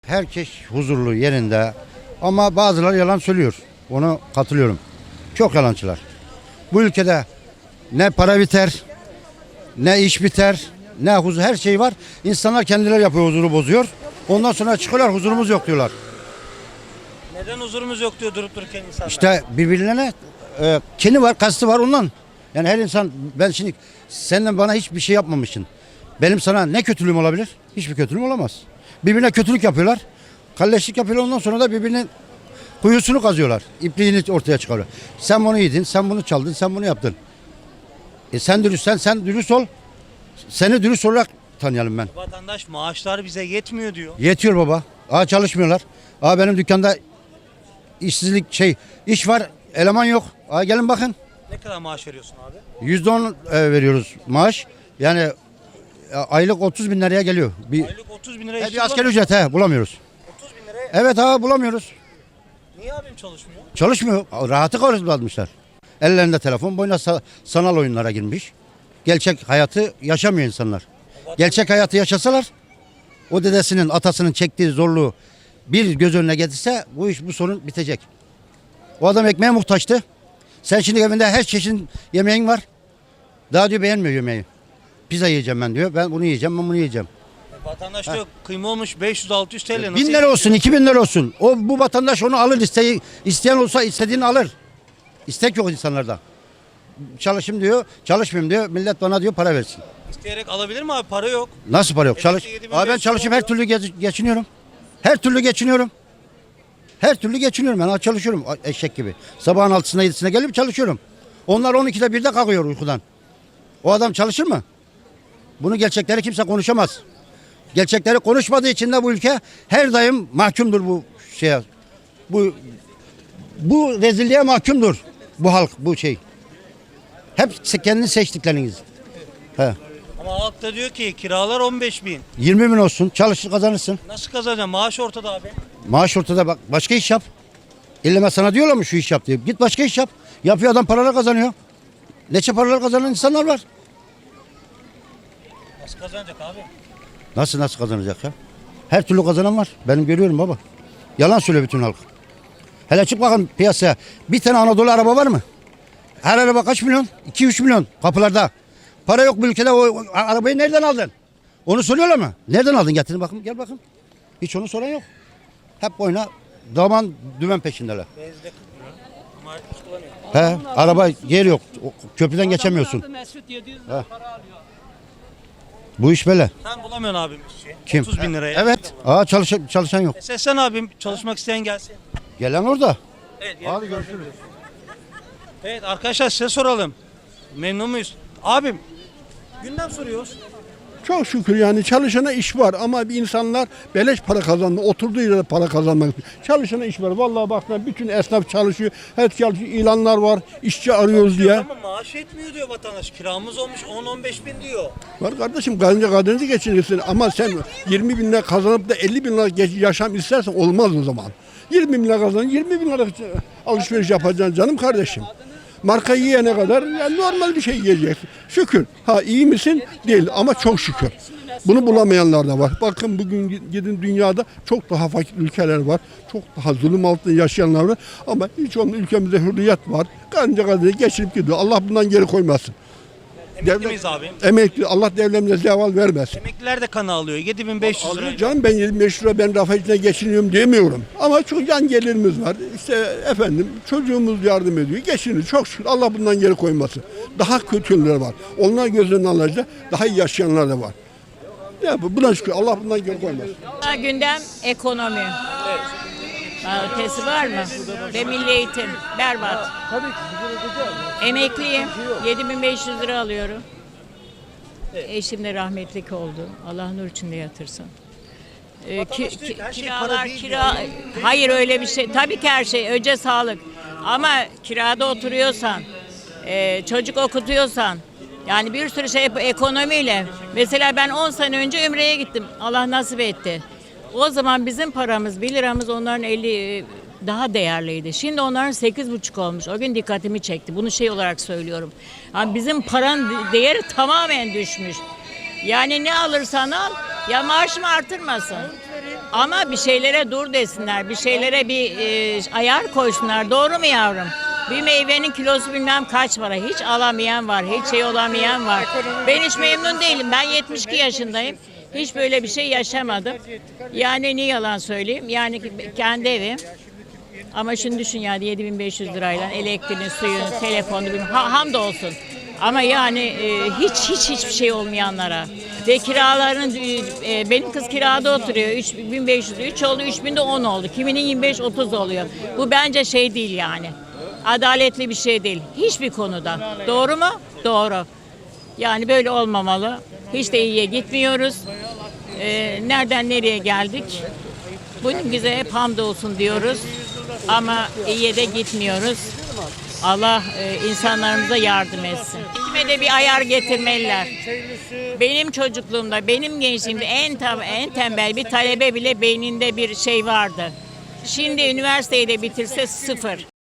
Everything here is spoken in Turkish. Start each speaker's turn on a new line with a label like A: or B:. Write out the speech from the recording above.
A: herkes huzurlu yerinde ama bazıları yalan söylüyor. Ona katılıyorum. Çok yalancılar. Bu ülkede ne para biter, ne iş biter, ne huzur, her şey var. İnsanlar kendileri yapıyor, huzuru bozuyor. Ondan sonra çıkıyorlar, huzurumuz yok diyorlar.
B: Neden huzurumuz yok diyor durup dururken insanlar?
A: İşte birbirlerine kini var, kastı var ondan. Yani her insan, ben şimdi senden bana hiçbir şey yapmamışsın. Benim sana ne kötülüğüm olabilir? Hiçbir kötülüğüm olamaz. Birbirine kötülük yapıyorlar. Kalleşlik yapıyorlar, ondan sonra da birbirinin kuyusunu kazıyorlar. İpliğini ortaya çıkarıyor. Sen bunu yedin, sen bunu çaldın, sen bunu yaptın. Sen dürüstsen sen dürüst ol. Seni dürüst olarak tanıyalım ben.
B: Vatandaş maaşlar bize yetmiyor diyor.
A: Yetiyor baba. Çalışmıyorlar. Benim dükkanda işsizlik iş var, eleman yok. Gelin bakın.
B: Ne kadar maaş veriyorsun abi?
A: %10 veriyoruz maaş. Yani aylık 30 bin liraya geliyor.
B: Aylık 30 bin lira
A: Bir asgari ücret bulamıyoruz.
B: 30 bin liraya.
A: Evet bulamıyoruz.
B: Niye abim çalışmıyor?
A: Çalışmıyor. Rahatı karşılamışlar. Ellerinde telefon, boyuna sanal oyunlara girmiş. Gerçek hayatı yaşamıyor insanlar. Gerçek hayatı yaşasalar, o dedesinin, atasının çektiği zorluğu bir göz önüne getirse bu sorun bitecek. O adam ekmeğe muhtaçtı. Sen şimdi evinde her çeşit yemeğin var. Daha diyor beğenmiyor yemeği. Pizza yiyeceğim ben diyor. Ben bunu yiyeceğim, ben bunu yiyeceğim.
B: Vatandaş diyor kıyma olmuş 500-600 TL. Nasıl
A: 1000 lira olsun, 2000 lira olsun. Bu vatandaş onu alır, isteyen olsa istediğini alır. İstek yok insanlarda. Çalışayım diyor, çalışmayayım diyor. Millet bana diyor para versin.
B: İsteyerek alabilir mi abi? Para yok.
A: Nasıl para yok? Çalış.
B: 7500
A: Ben çalışıp her
B: oluyor.
A: türlü geçiniyorum. Her türlü geçiniyorum. Her türlü geçiniyorum. Ben çalışıyorum eşek gibi. Sabahın 6'sında 7'sine gelip çalışıyorum. Onlar 12'de 1'de kalkıyor uykudan. O adam çalışır mı? Bunu gerçekleri kimse konuşamaz. Gerçekleri konuşmadığı için de bu ülke her daim mahkumdur bu şeye. Bu rezilliğe mahkumdur bu halk, bu şey. Hep kendini seçtikleriniz.
B: Ama halk da diyor ki kiralar 15 bin.
A: 20 bin olsun, çalışır kazanırsın.
B: Nasıl kazanacaksın? Maaş ortada abi.
A: Maaş ortada, bak başka iş yap. İlleme sana diyorlar mı şu iş yap diye. Git başka iş yap. Yapıyor adam, paralar kazanıyor. Neçe paralar kazanan insanlar var.
B: Nasıl kazanacak abi?
A: Nasıl kazanacak ya? Her türlü kazanan var. Benim görüyorum baba. Yalan söylüyor bütün halk. Hele çık bakın piyasaya. Bir tane Anadolu araba var mı? Her araba kaç milyon? 2-3 milyon kapılarda. Para yok bu ülkede. O arabayı nereden aldın? Onu soruyorlar mı? Nereden aldın? Getirin bakın, gel bakın. Hiç onu soran yok. Hep oyna daman dümen peşindeler.
B: Benzde 40 milyon. Ama hiç kullanıyor.
A: Araba yer yok. Köprüden geçemiyorsun.
C: Mesut 700 lira para alıyor.
A: Bu iş böyle.
B: Sen bulamıyorsun abim işçi.
A: Kim?
B: 30 bin liraya.
A: Evet. Çalışan yok.
B: Seslen abim çalışmak isteyen gelsin.
A: Gelen orada.
B: Evet,
A: Hadi görüşürüz.
B: Evet arkadaşlar size soralım. Memnun muyuz? Abim gündem soruyoruz.
D: Çok şükür yani çalışana iş var ama bir insanlar beleş para kazandı. Oturduğu yerde para kazanmak istiyor. Çalışana iş var. Vallahi bak bütün esnaf çalışıyor. Her çalışıyor. İlanlar var. İşçi arıyoruz diye.
B: Ama maaş etmiyor diyor vatandaş. Kiramız olmuş 10-15 bin diyor.
D: Var kardeşim kadını geçinirsin ama sen 20 bin lira kazanıp da 50 bin lira yaşam istersen olmaz o zaman. 20 bin lira kazan 20 bin lira alışveriş yapacaksın canım kardeşim. Marka yiyene kadar yani normal bir şey yiyeceksin. Şükür. İyi misin? Değil ama çok şükür. Bunu bulamayanlar da var. Bakın bugün gidin dünyada çok daha fakir ülkeler var. Çok daha zulüm altında yaşayanlar var. Ama hiç onun ülkemizde hürriyet var. Kanca kadar geçirip gidiyor. Allah bundan geri koymasın.
B: Emekli miyiz abi?
D: Emekli. Allah devletimize zeval vermesin.
B: Emekliler de kanı alıyor. 7500 lira.
D: Alıyor canım ben 25 lira ben rafayla geçiniyorum demiyorum. Ama çok yan gelirimiz var. İşte efendim çocuğumuz yardım ediyor. Geçiniyor çok şükür. Allah bundan geri koymasın. Daha kötüler var. Onlar gözlerinin alacak daha iyi yaşayanlar da var. Ya buna şükür Allah bundan geri koymasın.
E: Gündem ekonomi. Ötesi var mı? Ve milli eğitim. Berbat. Emekliyim. 7500 lira alıyorum. Eşim de rahmetlik oldu. Allah nur içinde yatırsın.
B: Vatandaş diyor ki her şey para
E: Kiralar,
B: değil
E: hayır öyle bir şey. Tabii ki her şey. Önce sağlık. Ama kirada oturuyorsan, çocuk okutuyorsan, yani bir sürü şey ekonomiyle. Mesela ben 10 sene önce Ümre'ye gittim. Allah nasip etti. O zaman bizim paramız 1 liramız onların 50 daha değerliydi. Şimdi onların 8,5 olmuş. O gün dikkatimi çekti. Bunu şey olarak söylüyorum. Yani bizim paranın değeri tamamen düşmüş. Yani ne alırsan al ya maaşımı artırmasın. Ama bir şeylere dur desinler, bir şeylere bir ayar koysunlar. Doğru mu yavrum? Bir meyvenin kilosu bilmem kaç para. Hiç alamayan var, hiç şey olamayan var. Ben hiç memnun değilim. Ben 72 yaşındayım. Hiç böyle bir şey yaşamadım. Yani ne yalan söyleyeyim. Yani kendi evim. Ama şimdi düşün yani 7.500 lirayla elektriğin, suyun, telefonu, hamdolsun. Ama yani hiçbir şey olmayanlara ve kiraların benim kız kirada oturuyor 3.500, 3 oldu, 3.000'de 10 oldu. Kiminin 25-30 oluyor. Bu bence şey değil yani. Adaletli bir şey değil. Hiçbir konuda. Doğru mu? Doğru. Yani böyle olmamalı. Hiç de iyiye gitmiyoruz. Nereden nereye geldik? Bunun bize hep hamdolsun diyoruz. Ama iyiye de gitmiyoruz. Allah insanlarımıza yardım etsin. Kime de bir ayar getirmeliler. Benim çocukluğumda, benim gençliğimde en tembel bir talebe bile beyninde bir şey vardı. Şimdi üniversiteyi de bitirse sıfır.